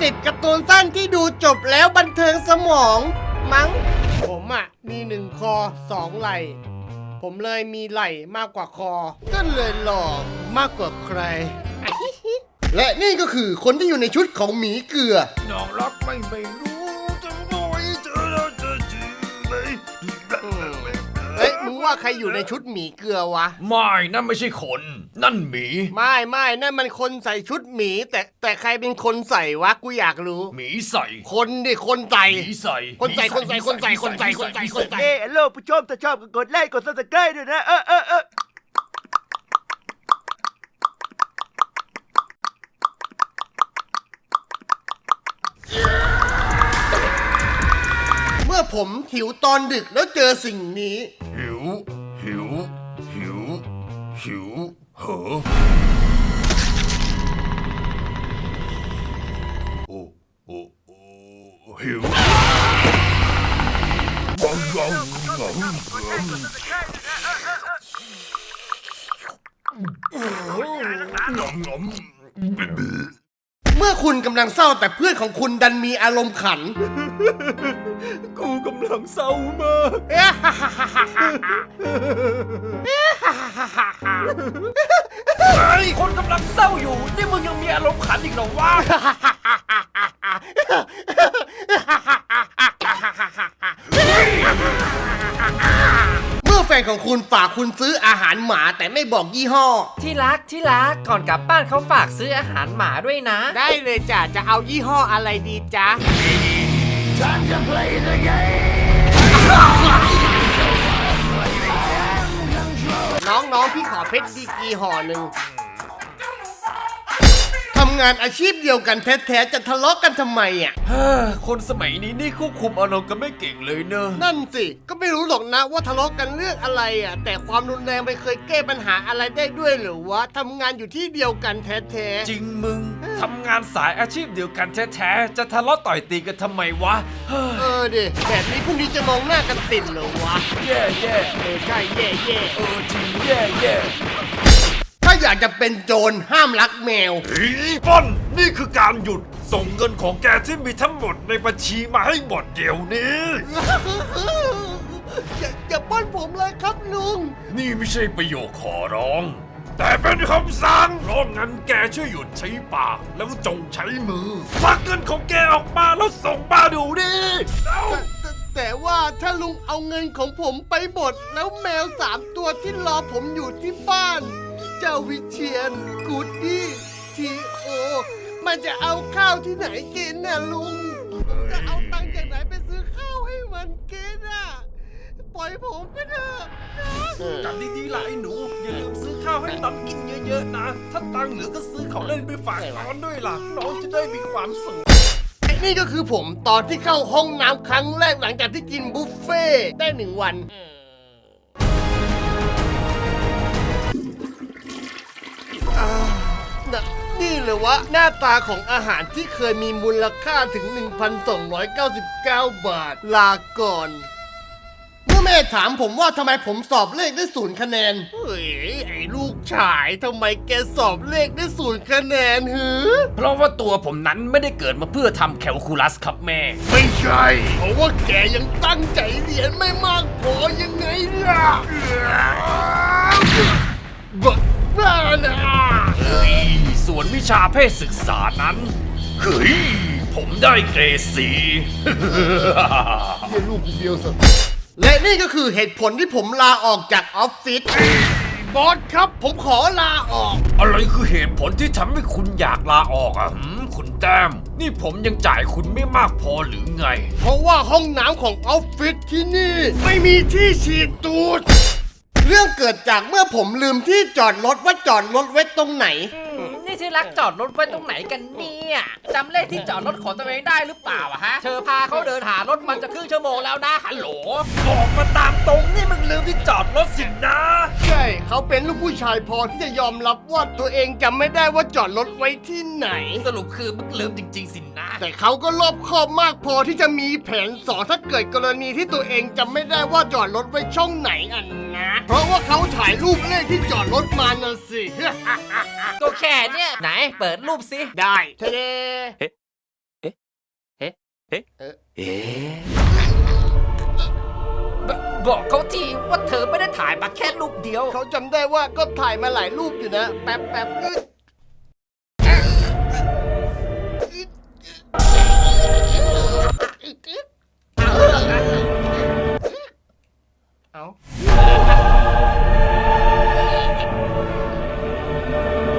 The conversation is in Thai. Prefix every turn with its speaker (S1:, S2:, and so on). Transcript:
S1: 10การ์ตูนสั้นที่ดูจบแล้วบันเทิงสมองมั้งผมมี1 คอ 2 ไหล่ผมเลยมีไหล่มากกว่าคอก็เลยหล่อมากกว่าใคร และนี่ก็คือคนที่อยู่ในชุดของหมีเกลือ
S2: น้องรักไม่รู้จะบอกให้เจอแล้วจะจืดไหม
S1: เฮ้ยมึงว่าใครอยู่ในชุดหมีเกลือวะ
S2: ไม่นั่นไม่ใช่คนนั่นหมี
S1: ไม่นั่นมันคนใส่ชุดหมีแต่ใครเป็นคนใส่วะกูอยากรู้
S2: หมีใส่
S1: คนดิคนใส่
S2: หมีใส่
S1: คนใส่
S3: ฮัลโหลผู้ชมถ้าชอบก็กดไลค์กด Subscribe ด้วยนะ
S1: เมื่อผมหิวตอนดึกแล้วเจอสิ่งนี้
S2: หิวเหอโอ้หิวงอม
S1: เมื่อคุณกำลังเศร้าแต่เพื่อนของคุณดันมีอารมณ์ขัน
S3: กูกำลังเศร้ามาก
S2: คนกำลังเศร้าอยู่นี่มึงยังมีอารมณ์ขันอีกเหรอวะ
S1: เมื่อแฟนของคุณฝากคุณซื้ออาหารหมาแต่ไม่บอกยี่ห้อ
S4: ที่รักก่อนกลับบ้านเขาฝากซื้ออาหารหมาด้วยนะ
S1: ได้เลยจ้ะจะเอายี่ห้ออะไรดีจ๊ะ น้องพี่ขอเพชรดีกรีห่อหนึ่งทำงานอาชีพเดียวกันแท้ๆจะทะเลาะกันทำไม
S2: คนสมัยนี้นี่ควบคุมอารมณ์กันไม่เก่งเลยเนอะ
S1: นั่นสิก็ไม่รู้หรอกนะว่าทะเลาะกันเรื่องอะไรแต่ความรุนแรงไม่เคยแก้ปัญหาอะไรได้ด้วยหรือวะทำงานอยู่ที่เดียวกันแท้ๆ
S2: จริงมึงทำงานสายอาชีพเดียวกันแท้ๆจะทะเลาะต่อยตีกันทำไมวะ
S1: ดิแบบนี้พรุ่งนี้จะมองหน้ากันติดเหรอวะ
S2: แย่
S1: ใช่แย่
S2: จริงแย่
S1: ถ้าอยากจะเป็นโจรห้ามรักแมว
S2: ป้อนนี่คือการหยุดส่งเงินของแกที่มีทั้งหมดในบัญชีมาให้หมดเดี๋ยวนี้
S1: อย่าป้อนผมเลยครับลุง
S2: นี่ไม่ใช่ประโยคขอร้อง แต่เป็นคำสั่งเพราะงั้นแกช่วยหยุดใช้ปากแล้วจงใช้มือควักเงินของแกออกมาแล้วส่งมาดูดิเอา
S1: แต่ว่าถ้าลุงเอาเงินของผมไปหมดแล้วแมว3 ตัวที่รอผมอยู่ที่บ้าน เจ้าวิเชียนกูดดี้ทีโอมันจะเอาข้าวที่ไหนกินน่ะลุง จะเอาตังค์จากไหนไปซื้อข้าวให้มันกินปล่อยผมไปเถอะนะ
S2: จำดีๆล่ะไอ้หนูอย่าลืมซื้อข้าวให้น้องกินเยอะๆนะถ้าตังค์เหลือก็ซื้อของเล่นไปฝากน้องด้วยล่ะน้องจะได้มีความสุข
S1: นี่ก็คือผมตอนที่เข้าห้องน้ำครั้งแรกหลังจากที่กินบุฟเฟ่ต์ได้1 วันนี่เลยวะหน้าตาของอาหารที่เคยมีมูลค่าถึง 1,299 บาท ลาก่อน เมื่อแม่ถามผมว่าทำไมผมสอบเลขได้0 คะแนนเฮ้ยไอ้ลูกชายทำไมแกสอบเลขได้0 คะแนนหือ
S2: เพราะว่าตัวผมนั้นไม่ได้เกิดมาเพื่อทำแคลคูลัสครับแม่
S1: ไม่ใช่ เพราะว่าแกยังตั้งใจเรียนไม่มากพอยังไงล่ะบ้านะ
S2: เฮ้ยส่วนวิชาเพศศึกษานั้นเฮ้ยผมได้เกรด 4
S1: เรียนลูกคนเดียวสิและนี่ก็คือเหตุผลที่ผมลาออกจากออฟฟิศบอสครับผมขอลาออก
S2: อะไรคือเหตุผลที่ทำให้คุณอยากลาออกคุณแต้มนี่ผมยังจ่ายคุณไม่มากพอหรือไง
S1: เพราะว่าห้องน้ำของออฟฟิศที่นี่ไม่มีที่ฉีดตูด เรื่องเกิดจากเมื่อผมลืมที่จอดรถว่าจอดรถไว้ตรงไหน
S4: นี่ที่รักจอดรถไว้ตรงไหนกันเนี่ยจำเลขที่จอดรถของตัวเองได้หรือเปล่าฮะเธอพาเขาเดินหารถมันจะครึ่งชั่วโมงแล้วนะฮัลโหล
S2: บอกมาตามตรงนี่มึงลืมที่จอดรถสินะ
S1: ใช่เขาเป็นลูกผู้ชายพอที่จะยอมรับว่าตัวเองจำไม่ได้ว่าจอดรถไว้ที่ไหน
S2: สรุปคือมึงลืมจริงๆสินะ
S1: แต่เขาก็รอบคอบมากพอที่จะมีแผน2ถ้าเกิดกรณีที่ตัวเองจำไม่ได้ว่าจอดรถไว้ช่องไหนนะ เพราะว่าเขาถ่ายรูปเลขที่จอดรถมาน่ะสิ
S4: ก็แค่เนี่ยไหนเปิดรูปสิ
S1: ได้เทเด
S4: บอกเขาทีว่าเธอไม่ได้ถ่ายมาแค่รูปเดียว
S1: เขาจำได้ว่าก็ถ่ายมาหลายรูปอยู่นะ แป๊บ